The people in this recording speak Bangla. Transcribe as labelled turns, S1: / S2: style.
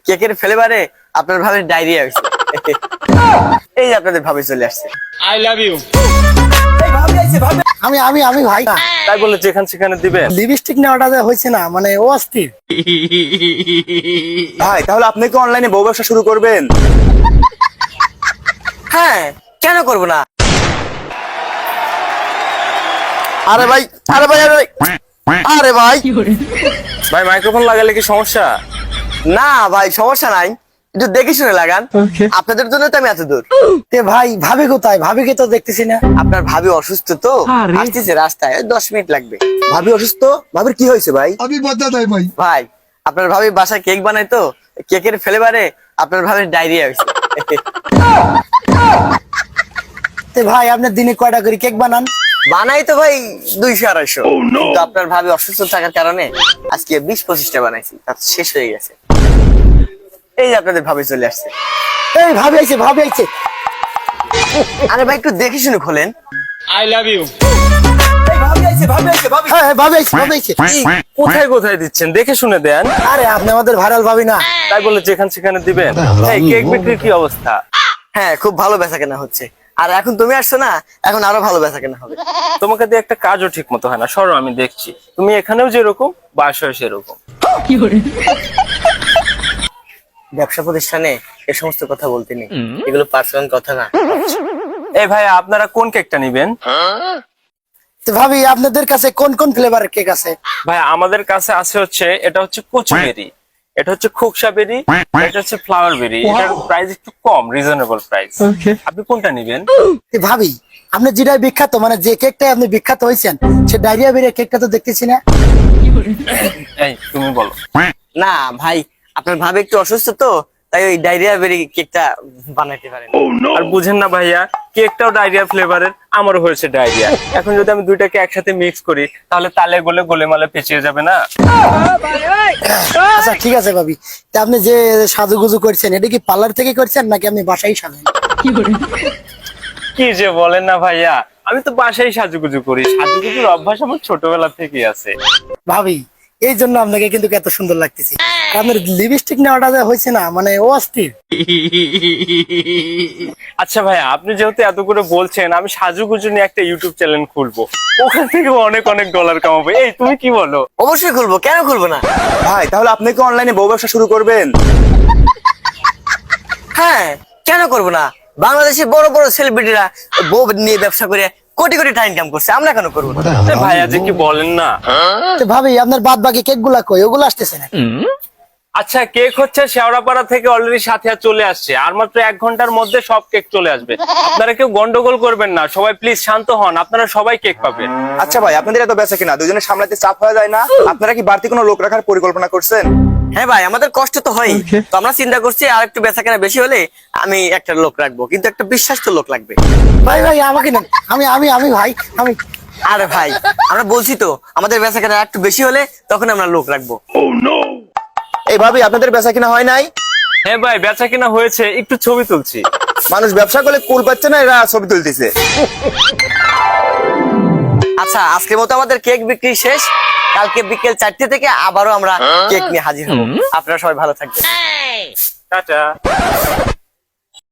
S1: কেকের ফ্লেভারে আপনার ভাবে ডায়রিয়া হয়েছে। এই যে আপনাদের ভাবে চলে আসছে।
S2: I love you.
S3: আমি আমি আমি ভাই না,
S2: তাই বলে যেখানে সেখানে দিবেন?
S3: লিপস্টিক নেওয়াটা যে হয়েছে না, মানে ও অস্থির।
S4: ভাই তাহলে আপনি কি অনলাইনে বউ ব্যবসা শুরু করবেন?
S1: হ্যাঁ, কেন করব না?
S4: আরে ভাই আরে ভাই আরে ভাই আরে ভাই
S2: ভাই মাইক্রোফোন লাগালে কি সমস্যা?
S1: না ভাই, সমস্যা নাই, একটু দেখে শুনে লাগান। আপনাদের জন্য তো আমি এত দূর।
S3: তে ভাই ভাবি কোথায়? ভাবিকে তো দেখতেছি না।
S1: আপনার ভাবি অসুস্থ তো, আসতেছে রাস্তায়, 10 মিনিট লাগবে।
S4: ভাবি অসুস্থ? ভাবির কি হয়েছে ভাই?
S5: अभी बता दे भाई।
S1: ভাই, আপনার ভাবি বাসায় কেক বানায় তো, কেকের ফ্লেভারে আপনার ভাবির ডায়রিয়া হয়েছে।
S3: তে ভাই আপনার দিনে কয়টা করে কেক বানান?
S1: বানাই তো ভাই 200-250, কিন্তু আপনার ভাবি অসুস্থ থাকার কারণে আজকে 20-25টা বানাইছি, তার শেষ হয়ে গেছে। এই যে আপনাদের ভাবি চলে আসছে।
S3: এই ভাবি আইছে, ভাবি আইছে।
S1: আরে ভাই, একটু দেখে শুনে খোলেন।
S2: I love you.
S3: হ্যাঁ ভাবি আইছে, ভাবি আইছে।
S2: কোথায় কোথায় দিচ্ছেন? দেখে শুনে দেন।
S3: আরে আপনি আমাদের ভাইরাল ভাবি না?
S2: তাই বলে যেখানে সেখানে দিবেন? এই কেক বিক্রির কি অবস্থা?
S1: হ্যাঁ, খুব ভালো বেচাকেনা হচ্ছে। আর এখন তুমি আসছো না, এখন আরো ভালো বেচাকেনা হবে।
S2: তোমাকে দিয়ে একটা কাজও ঠিক মতো হয় না, সরো আমি দেখছি। তুমি এখানেও যেরকম, বাসায় সেরকম।
S1: ব্যবসা প্রতিষ্ঠানে এ সমস্ত কথা বলতে নেই, এগুলো পার্সোনাল কথা না।
S2: এই ভাই, আপনারা কোন কেকটা নিবেন?
S3: তো ভাবি আপনাদের কাছে কোন কোন ফ্লেভারের কেক আছে?
S2: ভাই আমাদের কাছে আছে হচ্ছে, এটা হচ্ছে কচুবেরি, এটা হচ্ছে খোকসা বেরি, এটা হচ্ছে ফ্লাওয়ার বেরি। এটার প্রাইস একটু কম, রিজনেবল প্রাইস। আপনি কোনটা নিবেন?
S3: তে ভাবি আপনি যেটাই বিখ্যাত, মানে যে কেকটাই আপনি বিখ্যাত হয়েছেন, সে ডায়রিয়া বেরিয়ে কেকটা তো দেখতেছি না।
S2: এই তুমি বলো।
S1: না ভাই, আপনার ভাবে একটু অসুস্থ তো, তাই ওই ডায়রিয়া বেরি কেকটা বানাইতে পারেন।
S2: আর বুঝেন না ভাইয়া, কেকটাও ডায়রিয়া ফ্লেভারের, আমারও হয়েছে ডায়রিয়া। এখন যদি আমি দুইটাকে একসাথে মিক্স করি, তাহলে তালে গোলে গোলেমালে পেঁচিয়ে যাবে না?
S3: আচ্ছা ঠিক আছে ভাবি, তা আপনি যে সাজুগুজু করছেন, এটা কি পার্লার থেকে করছেন নাকি আপনি বাসায় সাজেন?
S2: কি যে বলেন না ভাইয়া, আমি তো বাসায় সাজুগুজু করি। সাজুগুজুর অভ্যাস আমার ছোটবেলা থেকেই আছে।
S3: ভাবি এই জন্য আপনাকে কিন্তু এত সুন্দর লাগতেছে। আপনার লিপস্টিক নেওয়াটা যে হয়েছে না, মানে ও অস্থির।
S2: আচ্ছা ভাইয়া, আপনি যেহেতু এত করে বলছেন, আমি সাজুগুজু নিয়ে একটা ইউটিউব চ্যানেল খুলবো, ওখান থেকে অনেক অনেক ডলার কামাবো। এই তুমি কি বলো?
S1: অবশ্যই খুলবো, কেন খুলবো না?
S4: ভাই তাহলে আপনি কি অনলাইনে বউ ব্যবসা শুরু করবেন?
S1: হ্যাঁ, কেন করবো না? বাংলাদেশের বড় বড় সেলিব্রিটিরা বউ নিয়ে ব্যবসা করে কোটি কোটি টাকা ইনকাম করছে, আমরা কেন করবো না?
S2: এ ভাইয়া যে কি বলেন না।
S3: তো ভাবি আপনার বাদ বাকি কেক গুলা কই? ওগুলো আসতেছে না।
S2: আচ্ছা, কেক হচ্ছে শেওড়াপাড়া থেকে অলরেডি সাথিয়া চলে আসছে, আর মাত্র 1 ঘন্টার মধ্যে সব কেক চলে আসবে। আপনারা কেউ গন্ডগোল করবেন না, সবাই প্লিজ শান্ত হন, আপনারা সবাই কেক পাবেন।
S4: আচ্ছা ভাই, আপনাদের এত বেচা কিনা দুজনে সামলাতে চাপ হয়ে যায় না? আপনারা কি বাড়তি কোনো লোক রাখার পরিকল্পনা করছেন?
S1: হ্যাঁ ভাই, আমাদের কষ্ট তো হয়, তো আমরা চিন্তা করছি আর একটু বেচাকেনা বেশি হলে আমি একটা লোক রাখবো, কিন্তু একটা বিশ্বাস্ত লোক লাগবে।
S3: ভাই ভাই আমাকে নেন, আমি আমি আমি ভাই আমি।
S1: আরে ভাই, আমরা বলছি তো, আমাদের বেচাকেনা একটু বেশি হলে তখন আমরা লোক রাখবো।
S4: এই ভাবি আপনাদের বেচা কিনা হয় নাই?
S2: হ্যাঁ ভাই, বেচা কিনা হয়েছে, একটু ছবি তুলছি।
S4: মানুষ ব্যবসা করলে কুল পাচ্ছে না, এরা ছবি তুলতেছে।
S1: আচ্ছা, আজকের মতো আমাদের কেক বিক্রি শেষ। কালকে বিকেল 4টে থেকে আবারও আমরা কেক নিয়ে হাজির হবো। আপনারা সবাই ভালো থাকবেন।
S2: টাটা।